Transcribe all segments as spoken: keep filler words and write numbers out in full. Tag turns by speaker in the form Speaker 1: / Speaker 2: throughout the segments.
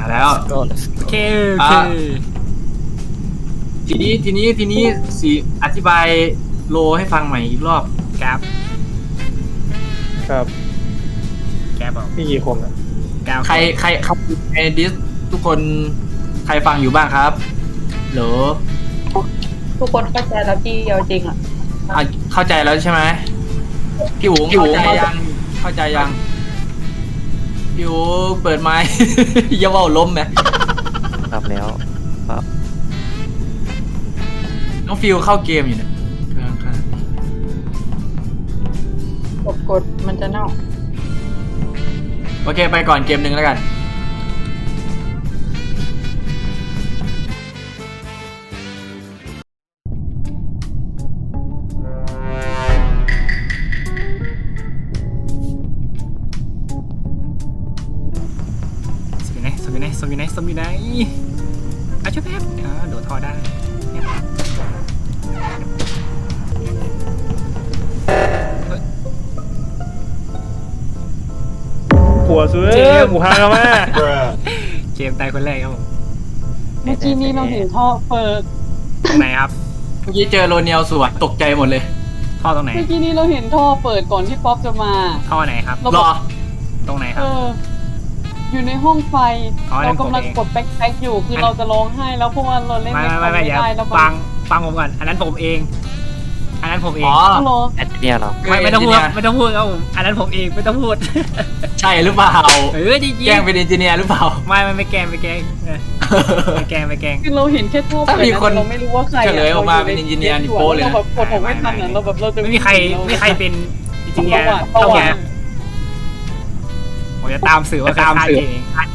Speaker 1: แล้ว
Speaker 2: โอเคโอเค
Speaker 1: ทีนี้ทีนี้ทีนี้สีอธิบายโลให้ฟังใหม่อีกรอบ
Speaker 2: ครับ
Speaker 3: ครับ
Speaker 2: แกบอก
Speaker 3: พี่กี่คนอ่ะ
Speaker 2: เก้า
Speaker 1: ใครใครครับในดิสทุกคนใครฟังอยู่บ้างครับเหรอ
Speaker 4: ทุกคนเข้าใจแล้วพี่เอาจริงอ่ะ
Speaker 1: อ่ะเข้าใจแล้วใช่ไหมพี่หูเข้าใจยังเข้าใจยังพี่หูเปิดไมค์ อย่าเว่าล้มไหม
Speaker 5: รับแล้วครับ
Speaker 1: น้องฟิวเข้าเกมอยู่เนี่ยข้าง
Speaker 4: กดกดมันจะเน่า
Speaker 1: ๆโอเคไปก่อนเกมหนึ่งแล้วกัน
Speaker 2: สมอยู่ไหนสมอยู่ไหนสมอยู่ไหนสมอยู่ไหนอ่ะช่วยแป๊บอ่าโดดท่อได้เนี่ยเฮ้ย
Speaker 3: หัวซื้อหมูฮางมา
Speaker 2: เจมส์ตายคนแรกครับผม
Speaker 4: เมื่อกี้นี้เราเห็นท่อเปิด
Speaker 2: ตรงไหนครับ
Speaker 1: เมื่อกี้เจอโรเนียลสวนตกใจหมดเลย
Speaker 2: ท่อตรงไหน
Speaker 4: เมื่อกี้นี้เราเห็นท่อเปิดก่อนที่ป๊อปจะมา
Speaker 2: ท่อไหนครับ
Speaker 4: เรา
Speaker 1: รอ
Speaker 2: ตรงไหนค
Speaker 4: เอ
Speaker 2: รับ
Speaker 4: อ อยู่ในห้องไฟ
Speaker 2: อ๋อ
Speaker 4: เรากำลัง
Speaker 2: ผมเอง
Speaker 4: กดแบ็คแพ็คอยู่คือเราจะร้องไห้แล้วเพราะว่าเราเล่น
Speaker 2: ไม่
Speaker 4: ในคอ
Speaker 2: ไม่
Speaker 4: ม
Speaker 2: ไม่
Speaker 4: ไม่
Speaker 2: เดี๋ยว
Speaker 4: ได้แล้ว
Speaker 2: ฟังฟังผมก่อนอันนั้นผมเอง อันนั้นผมเอง
Speaker 1: อ๋อ
Speaker 4: ต้องรอ
Speaker 5: แอดเนี่ยเหรอ
Speaker 2: ไม่ไม่ต้องพูด
Speaker 1: เนจิเนียร์
Speaker 2: ไม่ต้องพูดครับผมอันนั้นผมเองไม่ต้องพูด
Speaker 1: ใช่หรือเปล่า
Speaker 2: เออจริงๆ
Speaker 1: แกล้งเป็นเอนจิเนียร์หรือเปล่า
Speaker 2: ไม่ไม่ไม่แกล้งไม่แกล้งเออไม่แกล้งไม่แกล้ง
Speaker 4: คือเราเห็นแค่ท่อ
Speaker 1: ถ้า
Speaker 4: เปิด
Speaker 1: มีคน
Speaker 4: เราไม่รู้ว่าใคร
Speaker 1: เฉลยออกมาเป็น engineer นี่โป๊ะเลยนะ
Speaker 4: เราแบบกดผมไม่ทันอ่ะเราแบบเราจะ
Speaker 2: ไม่มีใครไม่มีใครเป็นจริงๆ
Speaker 4: ประ
Speaker 2: เนี่ย
Speaker 4: วัติป
Speaker 2: เท่า
Speaker 4: ระวั
Speaker 2: แก่
Speaker 4: ติ
Speaker 2: ผมจะตามสื่อว่า
Speaker 1: จะตามสื่อ
Speaker 2: เอง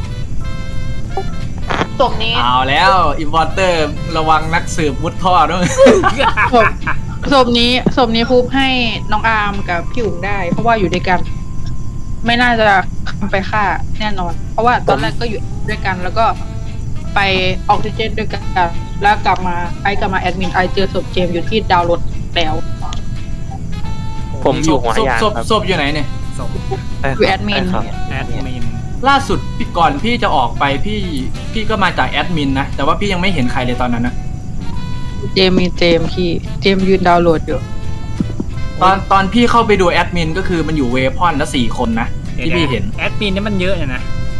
Speaker 4: ศพนี้
Speaker 1: เอาแล้วอินวอร์เตอร์ระวังนักสืบมุดท่อด้วย
Speaker 6: ศพศพนี้ศพนี้พูบให้น้องอาร์มกับพี่อุ๋งได้ เพราะว่าอยู่ด้วยกัน ไม่น่าจะไปฆ่าแน่นอน เพราะว่าตอนแรกก็อยู่ด้วยกัน แล้วก็ไปออกซิเจนด้วยกัน แล้วกลับมาไอกลับมาแอดมินไอเจอศพเจมส์อยู่ที่ดาวน์โหลดแล้ว
Speaker 5: ผมอยู่หัว
Speaker 1: ศพ
Speaker 5: ยาน
Speaker 1: ศพ
Speaker 5: ครับ
Speaker 1: ศพอยู่ไหนเนี่ย
Speaker 2: ส่ง
Speaker 5: ใช่ครับ
Speaker 6: อยู่แอดมิน
Speaker 5: ใช่ครับ
Speaker 2: แอดมิน
Speaker 1: ล่าสุดพี่ก่อนพี่จะออกไปพี่พี่ก็มาจากแอดมินนะแต่ว่าพี่ยังไม่เห็นใครเลยตอนนั้นนะ
Speaker 6: เจมส์มีเจมส์พี่เจมส์ยืนดาวน์โหลดอยู่
Speaker 1: ตอนตอนพี่เข้าไปดูแอดมินก็คือมันอยู่เวพอนแล้วสี่คนนะที่พี่เห็น
Speaker 2: แอดมินนี่มันเยอะเนี่ยนะ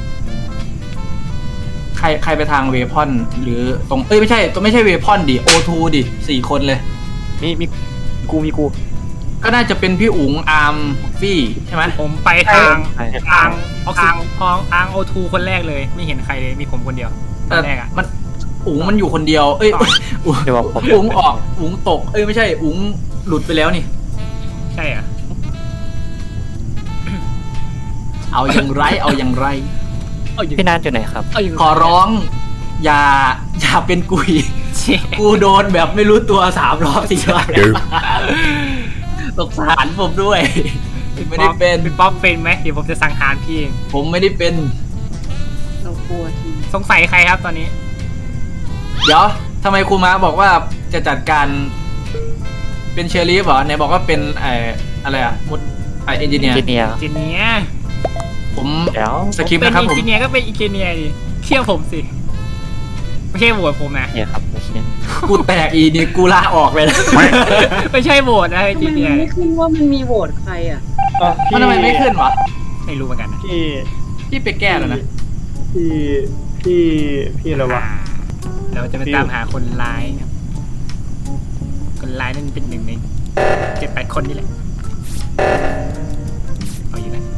Speaker 1: ใครใครไปทางเวพอนหรือตรงเอ้ยไม่ใช่ตัวไม่ใช่เวพอนดิโอทูดิสี่คนเลย
Speaker 5: มีมีกูมีกู
Speaker 1: ก็น่าจะเป็นพี่อุ๋งอาร์มฟี่ใช่ไหม
Speaker 2: ผมไปทาง
Speaker 5: ใช่
Speaker 2: ทางออกซิทางทางโอทูคนแรกเลย ไม่เห็นใครเลยมีผมคนเดียวต
Speaker 1: แต่
Speaker 2: อนแรกอ่ะ
Speaker 1: มันอุ๋งมันอยู่คนเดียว เอ้ยอุ๋ง
Speaker 5: เดี๋ยวบอกผม
Speaker 1: อุ๋งออกอุ๋งตกเอ้ยไม่ใช่อุ๋งหลุดไปแล้วนี่
Speaker 2: ใช่เหรอ่ะ
Speaker 1: เอาอย่างไรเอาอย่างไร
Speaker 2: เอาอยู่
Speaker 5: พี่นัทอยู่ไหนครับ
Speaker 2: เอาอยู่
Speaker 1: ขอร้องอย่าอย่าเป็นกุย
Speaker 2: เชี่ย
Speaker 1: กูโดนแบบไม่รู้ตัวสามรอบสี่รอบแล้วสงสารผมด้วย ไม่ได้เป็น
Speaker 2: เป็นป๊อปเป็นไหมเดี๋ยวผมจะสังหารพี่เอง
Speaker 1: ผมไม่ได้เป็น
Speaker 4: เรากลัวที
Speaker 2: สงสัยใครครับตอนนี้
Speaker 1: เดี๋ยวทำไมครูม้าบอกว่าจะจัดการเป็นเชอรี่เหรอไหนบอกว่าเป็นไออะไรอะมุดไอเอนจิเนียร์
Speaker 5: จิเนียร์
Speaker 2: จิเนีย
Speaker 1: ผม
Speaker 5: เดี๋ยว
Speaker 1: สคริปต์นะครับผม
Speaker 2: เป็นจิเนียก็เป็นอีเจเนียดิเชื่อผมสิไม่ใช่โหวตผมนะ
Speaker 5: เนี่ยครับโอเค
Speaker 1: กูแตกอีนี่กูลาออกเลยนะ
Speaker 2: ไม่ใช่โหวตนะ
Speaker 4: ทำไม
Speaker 2: จิ
Speaker 4: มัน
Speaker 2: เนีย
Speaker 4: ไม่ขึ้นว่ามันมีโหวตใครอ่ะ
Speaker 3: อ่ะพี่
Speaker 1: มันทำไมไม่ขึ้นวะ
Speaker 2: ไม่รู้เหมือนกันนะ
Speaker 3: พี่
Speaker 1: พี่ไปแก้แล้วนะ
Speaker 3: พี่พี่พี่อะไรวะ
Speaker 2: เราจะไปตามหาคนร้ายครับคนร้ายนั่นเป็นหนึ่งในเจ็ดแปดคนนี่แหละเอาอยู่นะ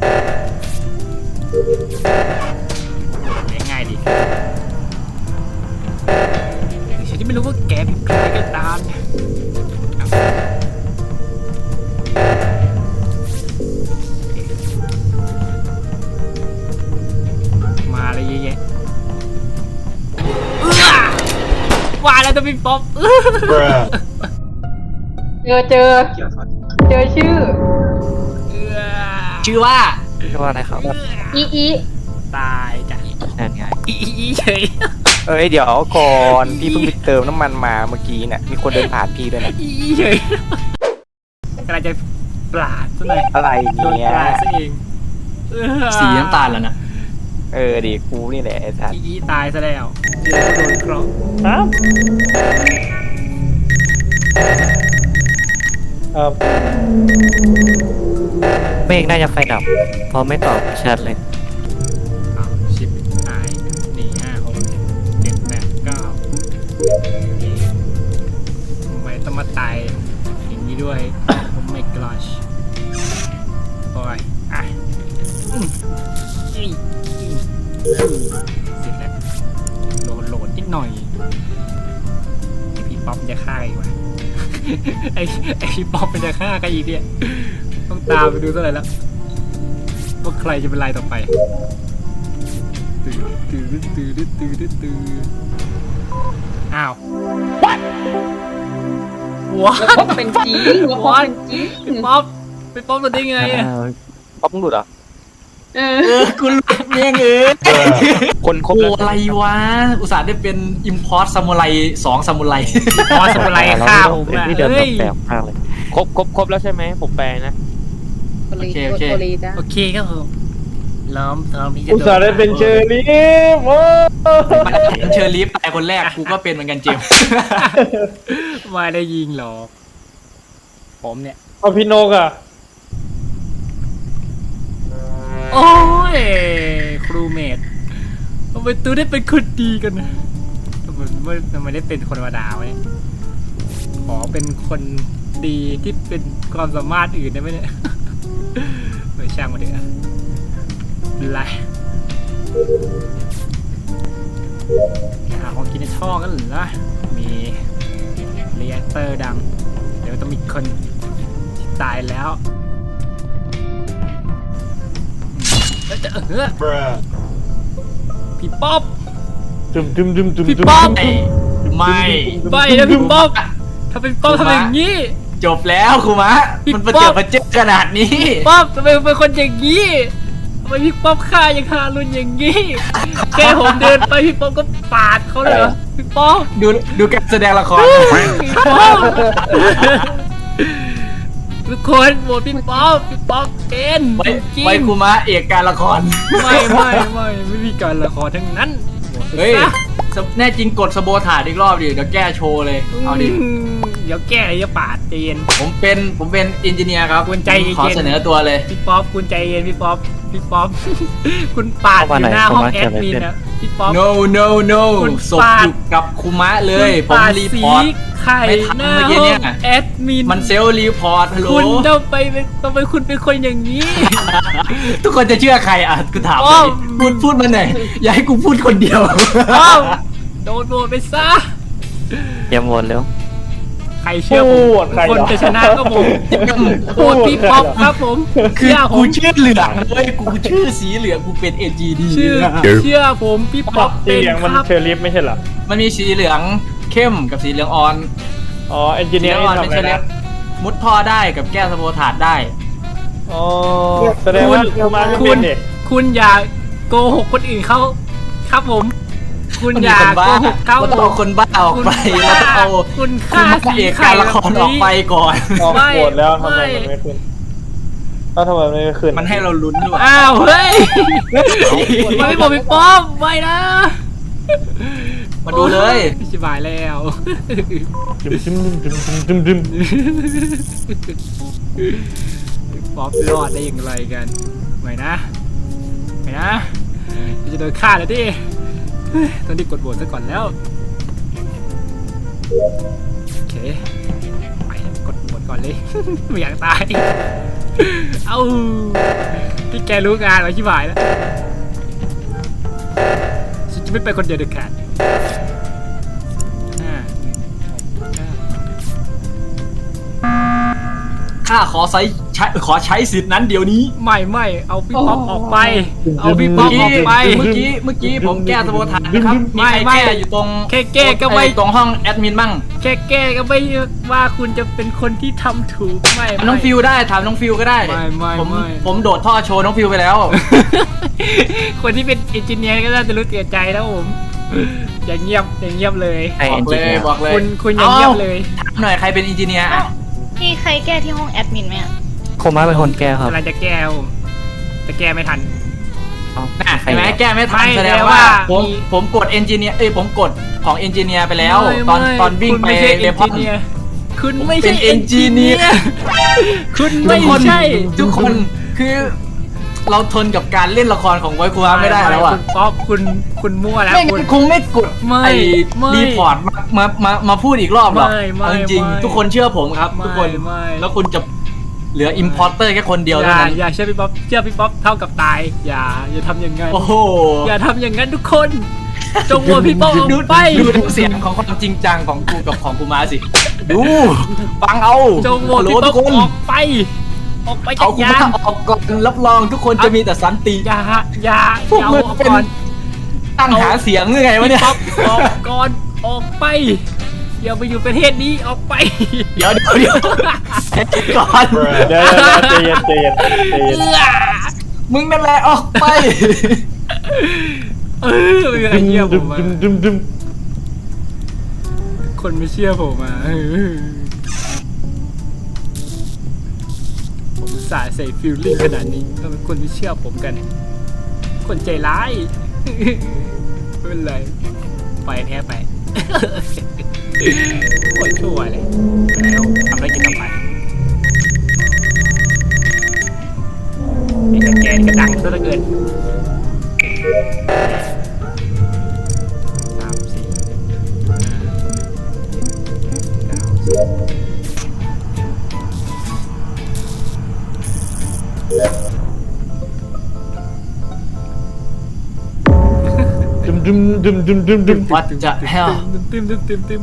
Speaker 2: ง่ายๆดิฉันจะไม่รู้ว่าแกเป็นใครก็ตามนะมาเลยเยอะแยะว่าแล้วจะเป็นป๊อป
Speaker 4: เจอเจอเจอชื่อ
Speaker 1: ชื่อว่า
Speaker 5: ชื่อว่าอะไรครับ
Speaker 4: อีอี
Speaker 2: ตายจ้ะ
Speaker 5: นั่นไง
Speaker 2: อีอีอีเฉย
Speaker 7: เอ้ยเดี๋ยวก่อนพี่เพิ่งไปเติมน้ำมันมาเมื่อกี้เนี่ยมีคนเดินผ่านพี่ด้วยนะ
Speaker 2: อีอีเฉยกำลังจะปลาดซะหน่อย
Speaker 7: อะไร
Speaker 2: โดน
Speaker 7: เนี่ย
Speaker 2: ปลาดซะเอง
Speaker 1: สีน้ำตาลแล้วนะ
Speaker 7: เออดีกูนี่แหละไอ้สัตว์
Speaker 2: อีอีตายซะแล้วเจอโดนเคราะห์
Speaker 3: ครับครับ
Speaker 5: เมฆน่าจะไฟดับเพราะไม่ตอบแชทเลย
Speaker 2: อ้าวชิปหายหนึ่งห้าหกเจ็ดแปดเก้าทำไมต้องมาตายอย่างนี้ด้วย โอ้ my gosh โอ้ยอ่ะอืมอีอีอืมเสร็จแล้วโหลดโหลดนิดหน่อยไอพี่ป๊อปจะฆ่าอีกว่ะ ไอไอพี่ป๊อปมันจะฆ่ากันอีกเนี่ยต้องตามไปดูซะเลยแล้วว่าใครจะเป็นรายต่อไปตื่นตื่นตื่นตื่นตื่นอ้าว what
Speaker 4: แล้วก็เป็นจริงแล้วก็เป็นจริง
Speaker 2: พี่ป๊อปพี่ป๊อปตัวได้ไงอะ
Speaker 7: ป๊อปมึงหลุดเหรอ
Speaker 4: เอ
Speaker 1: เอ
Speaker 4: อ
Speaker 1: อกูหลุดเองเออ
Speaker 7: คนครบ
Speaker 1: โอ้
Speaker 7: แล้ว
Speaker 1: อะไรวะ อุตส่าห์ได้เป็นอิมพอร์ตซามูไรสองซามูไร
Speaker 2: พอสมุไรฆ่าผมอะ
Speaker 5: นี่เดิน
Speaker 2: เฮ้ย
Speaker 5: แปลกมากเลย
Speaker 7: ครบครบครบแล้วใช่ไหมผมแปลนะ
Speaker 4: โอ
Speaker 1: โอเคโอเค
Speaker 4: โอลีจ้ะ
Speaker 2: โอเคครับผมล้อมทอมที่จะ
Speaker 3: อุตส่าห์ได้เป็นเชอรี่โอ้
Speaker 1: มันเห็นเชอร์ลีฟตายคนแรกกูก็เป็นเหมือนกันเจมส์
Speaker 2: ไม่ได้ยิงหรอกผมเนี่ย
Speaker 3: เอาพี่นกอ่ะ
Speaker 2: โอ้ยครูเมดทำไมตูได้เป็นคนดีกันนะทำไมไม่ทำไมได้เป็นคนธรรมดาวะเนี่ยขอเป็นคนดีที่เป็นความสามารถอื่นได้ไหมเนี่ย ไม่ช่างมาเถอะไรหาของกินในท่อกันเหรอมีเรียกเตอร์ดัง เดี๋ยวต้องมีคนที่ตายแล้วแล้วจะเออพี่ป๊อป
Speaker 3: จุ่มจุ่มจุ่มจุ่ม
Speaker 2: พี่
Speaker 3: จุ่ม
Speaker 2: ป๊อป
Speaker 1: ไม่
Speaker 2: ไม่นะพี่ป๊อปถ้าเป็นป๊อปทำอย่างนี้
Speaker 1: จบแล้วครูมะ
Speaker 2: พี่
Speaker 1: มันประ
Speaker 2: ป๊
Speaker 1: เจิ
Speaker 2: อ
Speaker 1: ด
Speaker 2: ป
Speaker 1: ประเจิดขนาดนี้
Speaker 2: ป๊อปทำไมเป็นคนอย่างนี้ทำไมพี่ป๊อปฆ่าอย่างฮารุนอย่างนี้แค่ผมเดินไปพี่ป๊อปก็ปาดเขาเลยเหรอพี่ป๊อป
Speaker 1: ดูดูการแสดงละคร
Speaker 2: พี่ป๊อปทุกคนโหวตพี่ป๊อปพี่ป๊อปเป็น
Speaker 1: ไว้
Speaker 2: จริง
Speaker 1: ไว้ครูมะเอกการละคร
Speaker 2: ไม่ไม่ไม่ไม่มีการละครทั้งนั้นโหวต
Speaker 1: เฮ้ย
Speaker 2: ซะ
Speaker 1: แน่จริงกดสโบถาดอีกรอบดิเดี๋ยวแก้โชว์เลย เอาดิ
Speaker 2: อืมเดี๋ยวแก้อย่าปาดใจเย็น
Speaker 1: ผมเป็นผมเป็นอินจิเนียร์ครับ
Speaker 2: คุณใจเย็น
Speaker 1: ขอเสนอตัวเลย
Speaker 2: พี่ป๊อปคุณใจเย็นพี่ป๊อปพี่ป๊อป คุณปาดอยู่หน้าห้องแอดมินนะพี่ป๊อป
Speaker 1: no no no
Speaker 2: คุณ
Speaker 1: ศพ
Speaker 2: ปาด
Speaker 1: อยู่กับครูมะเลย
Speaker 2: คุณ
Speaker 1: ผม
Speaker 2: ปาด
Speaker 1: รีพ
Speaker 2: สี
Speaker 1: อร์ต
Speaker 2: ไข่
Speaker 1: ไม่ทัน
Speaker 2: หน้า
Speaker 1: เมื่อกี้
Speaker 2: ห้อ
Speaker 1: เนี่
Speaker 2: ง
Speaker 1: ย
Speaker 2: แอดมิน
Speaker 1: มันเซลล์รีพอร์ตฮัลโหล
Speaker 2: คุณต้องไปเป็นต้องไปคุณเป็นคนอย่างนี้
Speaker 1: ทุกคนจะเชื่อใครอ่ะกูถาม
Speaker 2: อ้าว
Speaker 1: พูดพูดมาหน่อยอย่าให้กูพูดคนเดียว
Speaker 2: อ้าวโดนโดนไปซะ
Speaker 5: เตรียมวนเร็ว
Speaker 2: ใครเชื่อผม
Speaker 3: พูดใคร
Speaker 2: คน
Speaker 3: เหรอ
Speaker 2: จะชนะก็ผมโหวตพี่ป๊อปครับผม
Speaker 1: คือ
Speaker 2: เชื่อผ
Speaker 1: กู
Speaker 2: ม
Speaker 1: ชื่อเหลืองเลยกูชื่อสีเหลืองกูเป็น เอ จี ดี
Speaker 2: ชื่อเชื่อผมพี่ป๊อป
Speaker 3: สี
Speaker 2: เป็น
Speaker 3: เหลือง
Speaker 2: ค
Speaker 3: มัน
Speaker 2: รับ
Speaker 3: เชอรี่ไม่ใช่เหรอ
Speaker 1: มันมีสีเหลืองเข้มกับสีเหลืองอ่อน
Speaker 3: อ๋อเอนจิ
Speaker 1: สี
Speaker 3: เนี
Speaker 1: เห
Speaker 3: ย
Speaker 1: ลื
Speaker 3: ร์
Speaker 1: อง
Speaker 3: นี่
Speaker 1: อ่อนเป็น
Speaker 3: ทำอะไร
Speaker 1: เชลเล
Speaker 3: นะ
Speaker 1: มุดท่อได้กับแก้สโบถาดได้
Speaker 3: อ๋อแสดงว่าครูมาไม่
Speaker 2: คุ
Speaker 3: เป็
Speaker 2: ณ
Speaker 3: นเด็ก
Speaker 2: คุณอย่าโกหกคนอื่นเขาครับผม คุณ
Speaker 1: มัน
Speaker 2: อ
Speaker 1: มี
Speaker 2: ย่า
Speaker 1: คน
Speaker 2: โก
Speaker 1: บ้า
Speaker 2: หกเขา
Speaker 1: เราต้องเอาคนบ้าออกไป
Speaker 2: คุณ
Speaker 1: เราต้องเอา
Speaker 2: คุณ
Speaker 1: คุ
Speaker 2: ฆ่า
Speaker 1: ณพระเอกการละครออกไปก่อน
Speaker 3: ออก
Speaker 2: ไม่
Speaker 3: โหวตแล้วทำไม
Speaker 2: ไม่
Speaker 3: มันไม่ขึ้นเอ้าทำไมมันไม่ขึ้น
Speaker 1: มันให้เราลุ้นด้วย
Speaker 2: อ้าวเฮ้ยมันไม่บอกพี่ป้อมไม่นะ
Speaker 1: มาดูเลย
Speaker 2: ชิบายแล้ว
Speaker 3: จุ่มจุ่มจุ่มจุ่มจุ่มจุ่ม
Speaker 2: ป๊อปรอดได้อย่างไรกันไม่นะไม่นะจะโดนฆ่าแล้วดิเฮ้ยต้องรีบกดโหวตซะก่อนแล้วโอเคไปกดโหวตก่อนเลย ไม่อยากตาย เอาที่แกรู้งานไว้ชิบหายแล้วฉันจะไม่ไปคนเดียวเด็ดขาดห้าหนึ่งหกเก้า
Speaker 1: ข้าขอใช้ใช้ขอใช้สิทธิ์นั้นเดี๋ยวนี้
Speaker 2: ไม่ไม่เอาพี่ป๊อปออกไป เอาพี่ป๊
Speaker 1: เมื่
Speaker 2: อ
Speaker 1: อ
Speaker 2: ป
Speaker 1: กี้
Speaker 2: ออกไป
Speaker 1: เมื่อกี้เมื่อกี้ผมแก้สโบถาดนะครับ
Speaker 2: ไม่
Speaker 1: มีใคร
Speaker 2: ไม่
Speaker 1: แก้อยู่ตรง
Speaker 2: แค่แก้ก็ไม่
Speaker 1: อ้ตรงห้องแอดมินบ้าง
Speaker 2: แค่แก้ก็ไม่ว่าคุณจะเป็นคนที่ทำถูกไม่ไม่
Speaker 1: น้องฟิวได้ถามน้องฟิวก็ได้
Speaker 2: ไม่ไม่
Speaker 1: ผม
Speaker 2: ไม่
Speaker 1: ผมโดดท่อโชว์น้องฟิวไปแล้ว
Speaker 2: คนที่เป็นเอนจิเนียร์ก็น่าจะรู้เสียใจแล้วผม อย่าเงียบอย่าเงียบเลย
Speaker 5: ไอ
Speaker 1: บอ
Speaker 5: เอ็น
Speaker 1: ก
Speaker 5: จิ
Speaker 1: เลย
Speaker 5: เนียร์
Speaker 1: บอกเลย
Speaker 2: คุณคุณอย่าเงียบเลย
Speaker 1: ถามหน่อยใครเป็นอินจิเนียร์อะ
Speaker 8: มีใครแก้ที่ห้องแอดมินไหมอะ
Speaker 5: โคม่าเป็นคนแก้ครับ
Speaker 2: กำลังจะแก้ผมแต่แก้ไม่ทัน
Speaker 5: เอ้า
Speaker 1: น่ะ
Speaker 5: ใคร
Speaker 1: เห็นไหม
Speaker 5: เหรอ
Speaker 1: แก้ไม่ทัน
Speaker 2: ไม่
Speaker 1: แสดง
Speaker 2: แปล
Speaker 1: ว่า
Speaker 2: ว่า
Speaker 1: ผม
Speaker 2: มี
Speaker 1: ผมกดเอนจิเนียร์เอ้ยผมกดของเอนจิเนียร์ไปแล้ว
Speaker 2: ไม่
Speaker 1: ตอน
Speaker 2: ไม่
Speaker 1: ตอนวิ่ง
Speaker 2: คุณ
Speaker 1: ไป
Speaker 2: ไม่ใช่
Speaker 1: เล
Speaker 2: เอน
Speaker 1: พอ
Speaker 2: จิ
Speaker 1: น
Speaker 2: เนียร์คุณไม่
Speaker 1: เป็
Speaker 2: ใช่
Speaker 1: นเอนจิเนียร์
Speaker 2: คุณ
Speaker 1: ทุ
Speaker 2: ไม่
Speaker 1: กคน
Speaker 2: ใช่
Speaker 1: ทุกคนคือเราทนกับการเล่นละครของไวคูฮะไม่ได้แล้วอ่ะ
Speaker 2: คุณป๊อปคุณคุณมั่วแล้ว
Speaker 1: ไม่
Speaker 2: คุ
Speaker 1: งั้
Speaker 2: ณ
Speaker 1: นคงไม่กด
Speaker 2: ไม่
Speaker 1: ไอ้
Speaker 2: ไม่
Speaker 1: รีพอร์ตมามามามาพูดอีกรอบหรอก
Speaker 2: ไม่ไม่
Speaker 1: เอาจริง
Speaker 2: ไม่
Speaker 1: ๆทุกคนเชื่อผมครับ ทุกคน
Speaker 2: ไม่ไม่
Speaker 1: แล้วคุณจะเหลืออิมพอร์เตอร์แค่คนเดียว
Speaker 2: อ
Speaker 1: เท่า
Speaker 2: ย่า
Speaker 1: นั้น
Speaker 2: อย่าเชื่อพี่ป๊อปเชื่อพี่ป๊อปเท่ากับตาย อย่าอย่าทำอย่างนั้น
Speaker 1: โอ้โห
Speaker 2: อย่าทำอย่างนั้นทุกคนจงโหวตพี่ป๊อปอ
Speaker 1: ดู
Speaker 2: อกไป
Speaker 1: ดูดูเสียงของความจริงจังของกูกับของกูมาสิ ดูฟังเอา
Speaker 2: จงโหวต
Speaker 1: ฮัลโหล
Speaker 2: พี่ป๊
Speaker 1: ทุ
Speaker 2: อก ป
Speaker 1: คน
Speaker 2: ออกไป ออกไปจา
Speaker 1: เอา
Speaker 2: ก
Speaker 1: กู
Speaker 2: ยาม
Speaker 1: าน ออกก่อนรับรองทุกคนจะมีแต่สันติ
Speaker 2: อย่าอย่า
Speaker 1: พวก
Speaker 2: อย่า
Speaker 1: มึ
Speaker 2: เอา
Speaker 1: ง
Speaker 2: ออก
Speaker 1: เป็น
Speaker 2: ก่อน
Speaker 1: ตั้งหาเสียงยังไงวะเนี่ย
Speaker 2: พี่ป๊อปออกก่อนออกไปอย่าไปอยู่ประเทศนี้ออกไป
Speaker 1: เดี๋ยวเดี๋ยวเดี๋ยวให้คิดก่อน
Speaker 3: เดี๋ยวเดี๋ยวใจเย็นใจเย็นใจเย็น
Speaker 2: เอื้อ
Speaker 1: มึงนั่นแหละออกไป
Speaker 2: เออไม่มีใครเชื่อผ
Speaker 3: ดึ
Speaker 2: ม
Speaker 3: ม
Speaker 2: อ่ะ
Speaker 3: ดึมดึมดึม
Speaker 2: คนไม่เชื่อผมอ่ะเออผมอุตสาห์ใส่ฟิลลิ่งขนาดนี้ทำไมคนไม่เชื่อผมกัน คนใจร้าย ไม่เป็นไรไปแพ้ไป โคตรชั่วเลยแล้วทำได้กินต่อไปไอ้สแกนก็ดังซะเหลือเกินสามสี่ห้าเก้าสิบ
Speaker 3: ดึมดึมดึมดึมดึมดึม
Speaker 1: What the hell
Speaker 2: ตึมตึมตึมตึม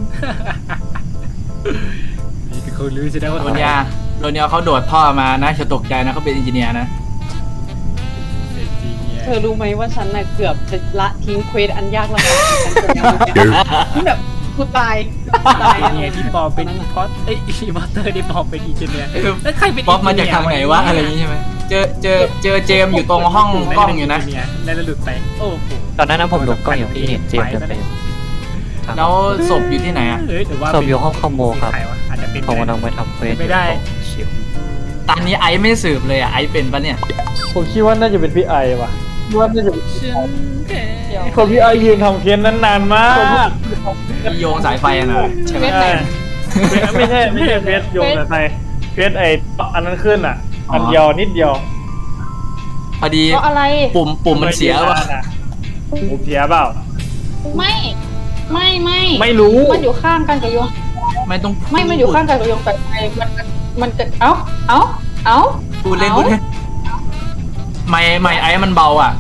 Speaker 2: นี่คือเขารู้ใช่ไหมว่า
Speaker 1: โดนยาโดนยาเขาโดดท่อมานะจะตกใจนะเขาเป็นอินจิเนียร์นะ
Speaker 2: เด็กจริงเนี่ย
Speaker 4: เธอรู้ไหมว่าฉันน่ะเกือบจะละทิ้งเควสอันยากลำบากของฉันไปแล้วที่แบบกูตายตาย
Speaker 2: เนี่ยที่ปอเป็นพอดเอ้ยอีมอเตอร์ที่ปอเป็นอินเจเนียร์แล้วใครเป็น
Speaker 1: ป๊อปมาจากทางไหนวะอะไรอย่างงี้ใช่ไหมเจอเจอเจอเจมส์อยู่ตรงห้องกล้องอยู่นะ
Speaker 2: แล้วหลุดไปโอ้โห
Speaker 5: ตอนนั้นนะผมหลบกล้องอย่างที่เห็นเจมส์เดินไปครับ
Speaker 1: แล้วศพอยู่ที่ไหนอ่ะ
Speaker 2: เฮ้ยหรือว่า
Speaker 5: ศพอยู่ห้องคอมโบครับ
Speaker 2: ใวะอาจจะเป็น
Speaker 5: ผมกำลังไปทำเควส
Speaker 2: ไม่ได้
Speaker 5: ของชิว
Speaker 1: ตอนนี้ไอซ์ไม่สืบเลยอ่ะไอซ์เป็นปะเนี่ย
Speaker 3: ผมคิดว่าน่าจะเป็นพี่ไอว่ะคิดว่าน่าจะเป็น
Speaker 2: ฉันแพ้
Speaker 3: คนพี่ไอยืนทำเค้นนั้นนานมาก
Speaker 1: มีโยงสายไฟอะนะใช่ไหม
Speaker 3: ใช่ไม่ใช่ไม่ใช่เฟสโยงแต่ไฟเฟสไออันนั้นขึ้นอ่ะ อันเดียวนิดเดียว
Speaker 1: พอดี
Speaker 4: เพราะอะไร
Speaker 1: ปุ่มปุ่มมันเสียว่ะ
Speaker 3: ผมเสียเปล่า
Speaker 4: ไม่ไม่ไม่
Speaker 3: ไม่รู้
Speaker 4: มันอยู่ข้างกันกับโยง
Speaker 1: ไม่ต้อง
Speaker 4: ไม่มันอยู่ข้างกันกับโยงแต่ไฟมันมันจะเอ้าเอ้าเอ้า
Speaker 1: พูดเล่นพูดเล่นไม่ไม่ไอซ์มันเบาอ่ะ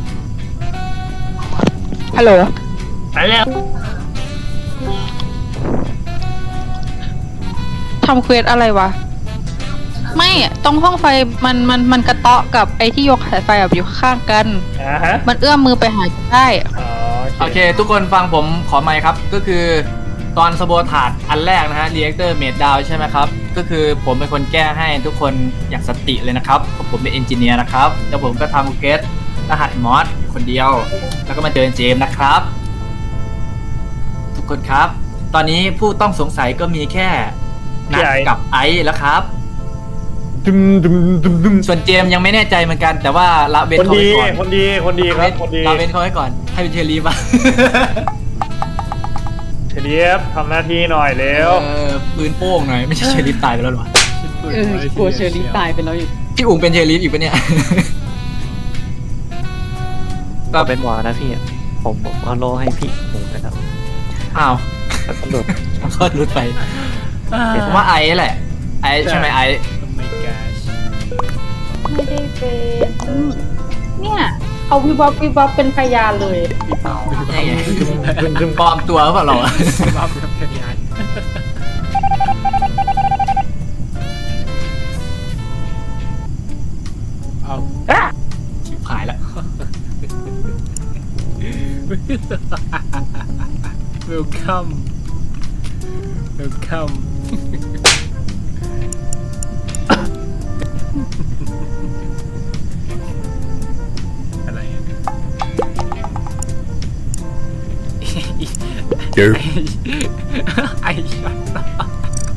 Speaker 6: ฮัลโหล
Speaker 3: ไปแล้ว
Speaker 6: ทำเควสอะไรวะ ไม่ตรงห้องไฟมันมันมันกระเตาะกับไอ้ที่ยกสายไฟแบบอยู่ข้างกัน
Speaker 3: อ่าฮะ
Speaker 6: มันเอื้อมมือไปหากันได้
Speaker 3: อ๋อ
Speaker 1: โอเค ทุกคนฟังผมขอไมค์ครับ ก็คือตอนสโบถาดอันแรกนะฮะรีแอคเตอร์เมดดาวใช่ไหมครับ ก็คือผมเป็นคนแก้ให้ทุกคนอย่างสติเลยนะครับเพราะผมเป็นเอนจิเนียร์นะครับ แล้วผมก็ทำเกสรหัสมอสคนเดียว แล้วก็มาเจอเจมส์นะครับ ทุกคนครับ ตอนนี้ผู้ต้องสงสัยก็มีแค่นัทกับไอซ์แล้วครับ
Speaker 3: ดึมดึมดึมดึม
Speaker 1: ส่วนเจมส์ยังไม่แน่ใจเหมือนกัน แต่ว่าละเว้น
Speaker 3: คน
Speaker 1: เขา
Speaker 3: ดี
Speaker 1: ไว้ก่อน
Speaker 3: คนดีคนดีครับคนดี
Speaker 1: ละเว้นเขาไว้ก่อนให้เป็นเชอรี่ป่ะ
Speaker 3: เฉลียบทำหน้าที่หน่อยเร็ว
Speaker 1: เออปืนโป้งหน่อยไม่ใช่เชอรี่ตายไปแล้วหรอ
Speaker 4: เออกลัวเชอรี่ตายไปแล้วอยู่
Speaker 1: พี่อุ๋งเป็นเชอรี่อีกปะเนี่ย
Speaker 5: ๆก็เป็นหมอนะพี่ผมผมเอาโลให้พี่หมูไปแล้ว
Speaker 1: อ้าว
Speaker 5: แล้วก็หลุด
Speaker 1: ก็รุดไปผมว่าไอ้แหละ ไอ้ใช่ไหมไอ้
Speaker 2: Oh my gosh
Speaker 4: ไม่ได้เป็นเนี่ยเขาวิบวับวิบวับเป็นพยานเลย
Speaker 1: นี่ไงปลอมตัวหรือเปล่าเราอะ
Speaker 2: บ้าเป็นพยาน เอา
Speaker 1: ชิบหายแล้ว
Speaker 2: welcome welcome อะไรอะไอ้ชัด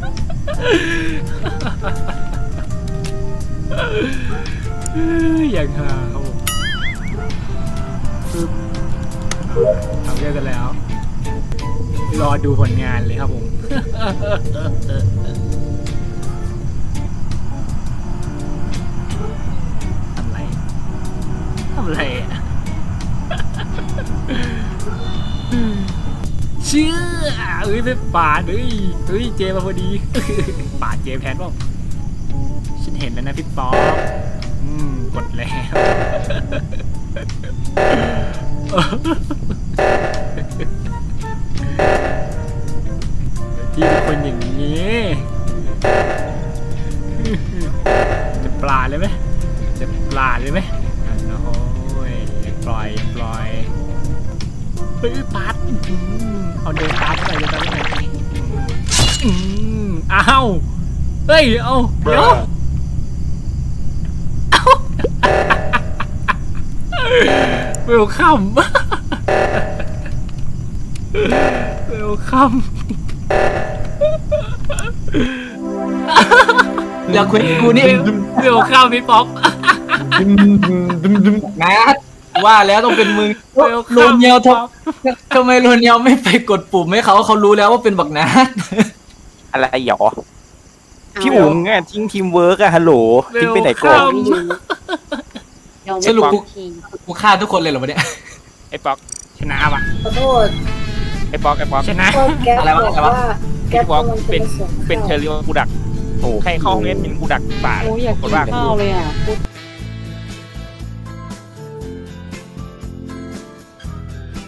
Speaker 2: อย่างฮาครับผมปึ๊บทำเยอะกันแล้ว รอดูผลงานเลยครับผม ทำไร ทำไรอะ เชื่อเอ้ยไม่ปาดเฮ้ยเฮ้ยเจมาพอดี ปาดเจแพนบ้างฉันเห็นแล้วนะพี่ป๊อกอืมกดแล้ว พี่เป็นคนอย่างนี้ จะปลาเลยไหมจะปลาเลยไหมโอ้ยปล่อยปล่อยเฮ้ยปัดอืมเอาเดินตามเข้าไปเดินตามเข้าไปอืมอ้าวเฮ้ยเอาเดี๋ยวเวลคัมเวลคัม
Speaker 1: เดี๋ยวคุณกูนี่
Speaker 2: เวลคัมพี่ป๊อป
Speaker 1: นะว่าแล้วต้องเป็นมึง
Speaker 2: เวล
Speaker 1: โร
Speaker 2: คัม
Speaker 1: เนียวทำทำไมโรเนียวไม่ไปกดปุ่มให้เขาเขารู้แล้วว่าเป็นบักนัด
Speaker 7: อะไรหยอพี่อุ๋งอะทิ้งทีมเวิร์กอะฮัลโหลทิ้งไปไหนก่อน
Speaker 1: สรุปกูกูฆ่าทุกคนเลยเหรอวะเนี่ย
Speaker 2: ไอ้ป๊อกชนะว่ะ
Speaker 8: ขอโทษ
Speaker 7: ไอ้ป๊อกไอ้ป๊อก
Speaker 2: ชนะ
Speaker 8: ก็แก๊ป
Speaker 1: อะไรวะ
Speaker 8: บอก
Speaker 1: อะไรวะ
Speaker 8: ว่าแก๊ปกำลังจะมาส่ง
Speaker 7: เป็นเทอร์เรียกูดักโอ้ใครเข้าห้องเล่นเป็นกูดักป่า
Speaker 4: โอ้ยอยากกินข้าวเลยอ่ะ